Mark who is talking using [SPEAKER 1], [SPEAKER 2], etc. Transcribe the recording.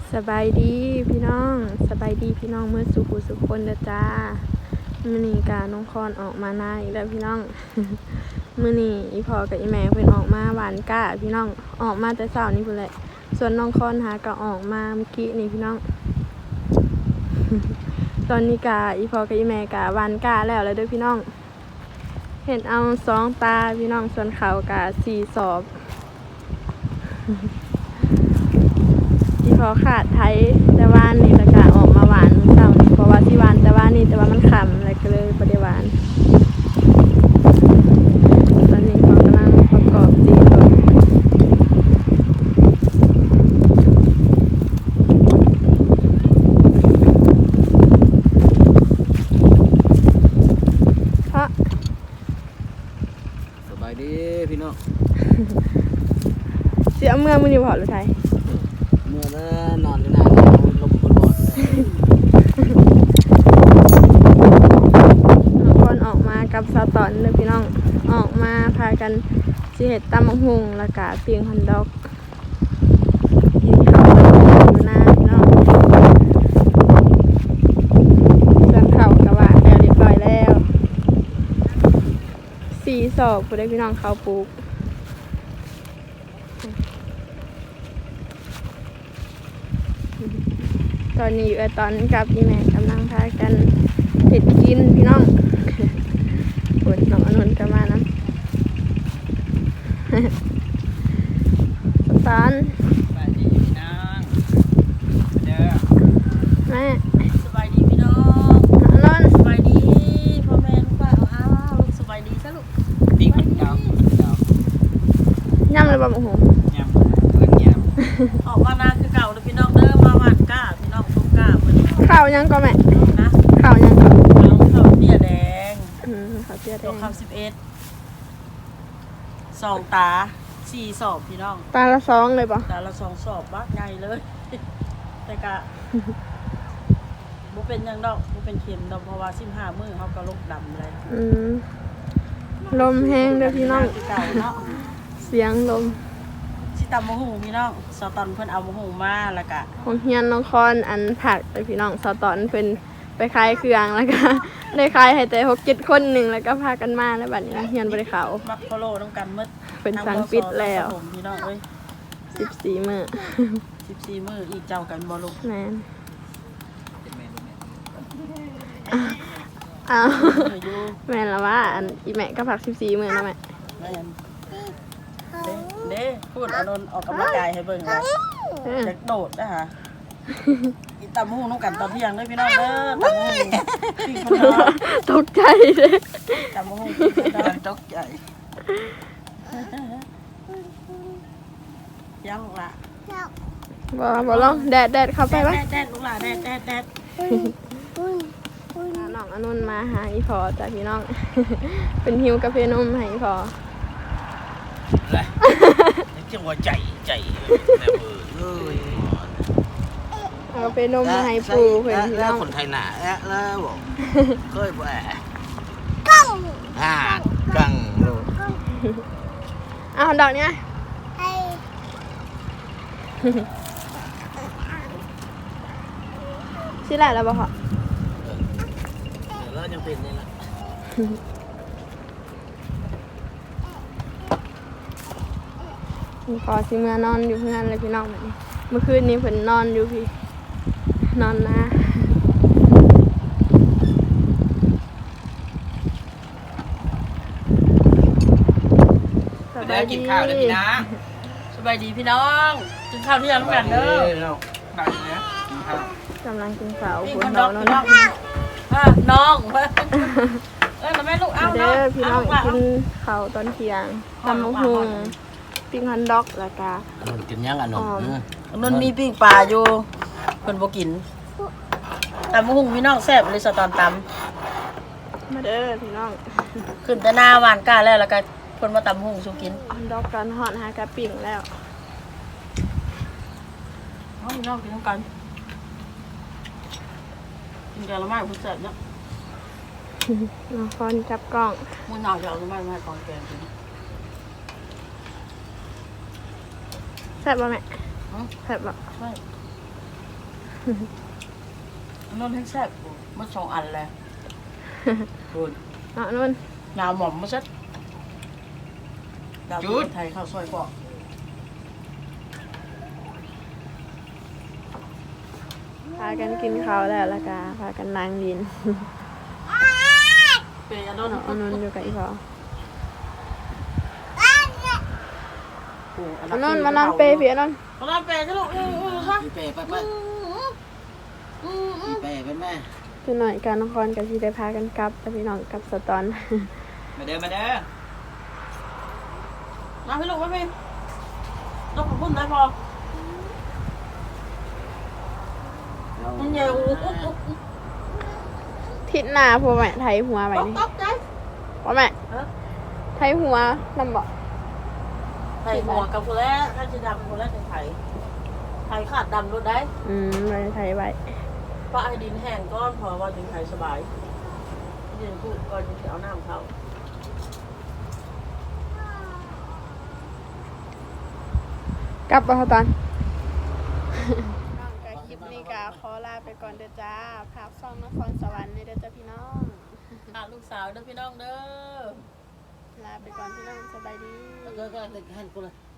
[SPEAKER 1] สบายดีพี่น้องสบายดีพี่น้องเมื่อสุขุสุขคนเด้อจ้ามื้อนี้กาน้องคอนออกมาหน้าอีกแล้วพี่น้อง มื้อนี้อีพ่อกับอีแม่เพิ่นออกมาหวานก้าพี่น้องออกมาแต่เช้านี้พุ่นแหละส่วนน้องคอนหาก็ออกมาเมื่อกี้นี่พี่น้อง ตอนนี้กาอีพ่อกับอีแม่กาหวานก้าแล้วเด้อพี่น้องเห็นเอา2 ตาพี่น้องส่วนเขากา4 ศอกที่พอขาดไทยแต่ว่านี่ละกะออกมาหวานเช้านี้เพราะว่าที่หวานแต่ว่านี่แต่ว่ามันขำอะไรก็เลยบ่ได้หวานตอนนี้พอกำลังประกอบตีก่อนเพราะ
[SPEAKER 2] สบายดีพี่น้อง
[SPEAKER 1] เสียเมื่อมื้อนี้บ่หรือไทย
[SPEAKER 2] เมื่อแล้วนอนอยู่นานลมบนบอด
[SPEAKER 1] น้องคนออกมากับสาวตอนเลยพี่น้องออกมาพากันสิเฮ็ดตำบักหุ่งแล้วก็ปิ้งฮอทดอกกินข้าวอยู่หน้าพี่น้องส่วนข้าวก็ว่าแล้วเรียบร้อยแล้ว4 ศอกผู้ใดพี่น้องข้าวปลูกตอนนี้อยู่ตอนกับพี่แม่กำลังพากันเห็ดกินพี่น้องปวดน้องอนนท์ก็มานะ สตอน
[SPEAKER 2] สบายดีพี่น้องเด้อ
[SPEAKER 1] แม่
[SPEAKER 3] สบายดีพี่น้อง
[SPEAKER 1] อนนท์
[SPEAKER 3] สบายดีพ่อแม่ลูกป้าเอาลูกสบายดีซะลูก
[SPEAKER 2] ตีคนเก่า
[SPEAKER 1] ย่ำเลยบ่โอ้โห
[SPEAKER 2] ยำเพื่อนย
[SPEAKER 3] ออกมานาคือเก่าเลยพี่น้องเด้อมาหวานก้าพี่น้องต้มก้าเพิ่น
[SPEAKER 1] ข้าวยังก็แม่
[SPEAKER 3] นะ
[SPEAKER 1] ข้าวยังก็
[SPEAKER 3] น้องข้าวเตี้ยแดง
[SPEAKER 1] ข้าวเตี้ยแด
[SPEAKER 3] ตัว
[SPEAKER 1] ง
[SPEAKER 3] ข้าว11 2 ตา 4 สอบพี่น้อง
[SPEAKER 1] ตาละ2เลยป่ะ
[SPEAKER 3] ตาละ2 สอบบักใหญ่เลย แต่กะบ่เป็นหยังดอกบ่เป็นเข็มดอกเพราะว่า15มื้อเฮาก็ลกดำเลย
[SPEAKER 1] ลมแห้งเด้อพี่น้อง
[SPEAKER 3] คือเก่าเนาะ
[SPEAKER 1] เสียงลม
[SPEAKER 3] สิตำมะฮูพี่น้องสตอนเพิ่นเอามะฮูมาแล้วก็
[SPEAKER 1] ของเฮียนน้องคอนอันผักเลยพี่น้องสาวตอนเพิ่นไปขายเครื่องแล้วก็ ได้ขายให้แต่6-7 คนหนึ่งแล้วก็พากันมาแล้วบัดนี้เฮียนบ่ได้เข้า
[SPEAKER 3] มักโฟโลน้ำกันมืด
[SPEAKER 1] เป็นสั่งปิดแล้ว
[SPEAKER 3] พี่น้องเอ้ย
[SPEAKER 1] 14 มื้อ
[SPEAKER 3] 14 มื้ออีกเจ้ากันบ่ลูก
[SPEAKER 1] แม่น
[SPEAKER 2] ำ
[SPEAKER 1] อ้าว
[SPEAKER 3] อยู่
[SPEAKER 1] แม่นแล้วว่าอันอีแม่ก็ผัก14 มื้อนะแม่
[SPEAKER 3] แม่นเด้พูดอานนท์ออกกำลังกายให้เบิ่งนะจะโดดนะฮะอีตำหูน้ำกันตอนเที่ยงเด้อพี่น้องเด้อตำหูปิ้งคนเนาะ
[SPEAKER 1] ตกใจเลย
[SPEAKER 3] ตำหูปิ้งคนเนาะ
[SPEAKER 2] ตกใจ
[SPEAKER 3] ยังลูกหล่ะ
[SPEAKER 1] บ่ลองแดดเข้าไปปะ
[SPEAKER 3] แดดลูกหล่ะแดด
[SPEAKER 1] น้องอนุนมาหาอีพอจ้ะพี่น้อง เป็นหิวกาแฟนมให้อีพอ
[SPEAKER 2] อะไรจังหวะใจแม่เบื่อเลย
[SPEAKER 1] เอากาแฟนมมาให้ปูเพิ่นพี่น้อง
[SPEAKER 2] คนไทยหนาแล้วบอกเคยบ่กังกังลูก
[SPEAKER 1] เอาดอกเนี้ยสิแหละแล้วบ่พอ
[SPEAKER 2] แล้วยังเป็นนี่ละ
[SPEAKER 1] พอสิเมื่อนอนอยู่เพื่อนเลยพี่น้องแบบนี้เมื่อคืนนี้เพิ่นนอนอยู่พี่นอนนะสบายดี
[SPEAKER 2] กินข้าวได้พี่นะ
[SPEAKER 3] สบายดีพี่น้องกินข้าวเที่ยงน้ำกันเด้อ
[SPEAKER 2] ได้นะข้าว
[SPEAKER 1] กำลังกินข้าว
[SPEAKER 3] ปิ้ง
[SPEAKER 1] บ
[SPEAKER 3] คน น
[SPEAKER 1] ด
[SPEAKER 3] ด
[SPEAKER 1] อ
[SPEAKER 3] อก ก
[SPEAKER 1] น
[SPEAKER 3] พี่
[SPEAKER 1] น
[SPEAKER 3] น้องน้องแล้วแม่ลูกเอา
[SPEAKER 1] เด้อพี่น้อง
[SPEAKER 3] เอา
[SPEAKER 1] กินข้าวตอนเที่ยงตำบักหุ่งปิ้งฮอทดอกแล้วก็
[SPEAKER 2] กินยังอ่ะหนุ่ม
[SPEAKER 3] นนมีปิ้งปลาอยู่เพิ่นบ่กินตำมะฮุ่งพี่น้องแซ่บเลยสตอนต
[SPEAKER 1] มาเด้อพี่น้อง
[SPEAKER 3] ำขึ้นแต่หน้าหวานก้าแล้วก็เพิ่นมาตำมะฮุ่งสู่กิน
[SPEAKER 1] ฮอทดอกกันฮอตหากะปิ้งแล้ว
[SPEAKER 3] เอาพี่น้องกินน้ำกันกินกันละไม้ผู้แซ่บเนาะ
[SPEAKER 1] น้องคอนจับกล้อง
[SPEAKER 3] มื้อหน้าจะเอาละไม้มาให้กองแกงกิน
[SPEAKER 1] แซ่บบ่แม่
[SPEAKER 3] ฮะ
[SPEAKER 1] แซ่บบ่
[SPEAKER 3] ไม่นนท์ให้แซ่บมันสองอันเลยคุณ
[SPEAKER 1] เอานุ่น
[SPEAKER 3] งาหม่อมมาเซ็ตดาวจุดไทยข้าวซอยปอก
[SPEAKER 1] พากันกินข้าวแล้วละกาพากันนั่งดิน
[SPEAKER 3] เปย์อันนน
[SPEAKER 1] เอานุ่นอยู่กับอีพอ
[SPEAKER 3] อั
[SPEAKER 1] เอานุ่นมานอนเปย์พี่เอานุ่น
[SPEAKER 3] มานอนเปย์สิลูกค่ะ
[SPEAKER 2] พี่เป้ไปพี่เป้ไปแม่
[SPEAKER 1] คือหน่อยการนครกับที่ได้พากันกลับแต่พี่น้องกลับสตอน
[SPEAKER 2] มาเด้อ
[SPEAKER 3] มาพี่ลูกมาพี่ต้องขอบคุณได้พอมันใหญ่โอ้โห
[SPEAKER 1] ทิศหน้าพ่อแม่ไทยหัวไปนี่
[SPEAKER 3] ตกใจ
[SPEAKER 1] พ่อแม่ไทยหัวนำบอก
[SPEAKER 3] ไข่หัวกับคนแรกถ้าจะดำคนแรกจะไข่ไข่ขาดดำรถได้
[SPEAKER 1] ไปไทยไว้
[SPEAKER 3] เพราะไอ้ดินแห้งก้อนพอว่าดินไข่สบายดินพูดก่อนจะเอาน้ำเข้าก
[SPEAKER 1] ลับมาตอนน้องกับคลิปนี้กาขอลาไปก่อนเด้อจ้าภาพซ่องนครสวรรค์นี่เด้อจ้าพี่น้อง
[SPEAKER 3] ลูกสาวเด้อพี่น้องเด้อ
[SPEAKER 1] ลาไปก่อนพี่น้องสบายดี
[SPEAKER 2] ก็หันกูเลย